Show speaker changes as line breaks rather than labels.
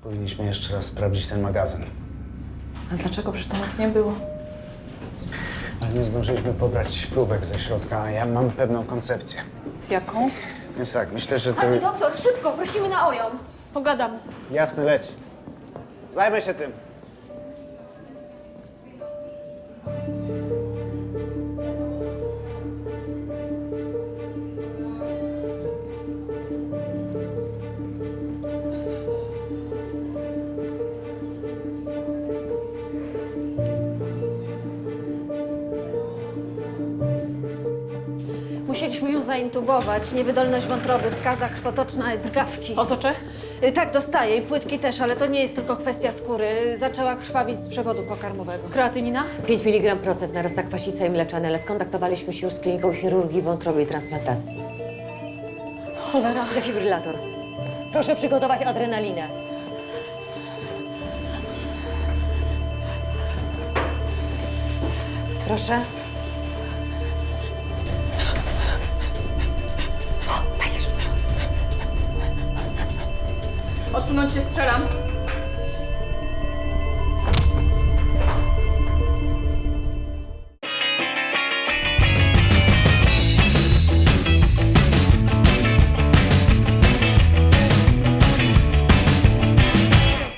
Powinniśmy jeszcze raz sprawdzić ten magazyn.
A dlaczego? Przecież tam nic nie było.
Ale nie zdążyliśmy pobrać próbek ze środka, a ja mam pewną koncepcję.
Jaką?
Więc tak, myślę, że
Pani
ty...
doktor, szybko, prosimy na OJOM.
Pogadam.
Jasne, leć. Zajmę się tym.
Musieliśmy ją zaintubować. Niewydolność wątroby, skaza krwotoczna, drgawki.
Osocze?
Tak, dostaje i płytki też, ale to nie jest tylko kwestia skóry. Zaczęła krwawić z przewodu pokarmowego.
Kreatynina?
5 mg% narasta kwasica i mleczane, ale skontaktowaliśmy się już z kliniką chirurgii wątroby i transplantacji.
Cholera.
Defibrylator. Proszę przygotować adrenalinę. Proszę.
Odsunąć się, strzelam.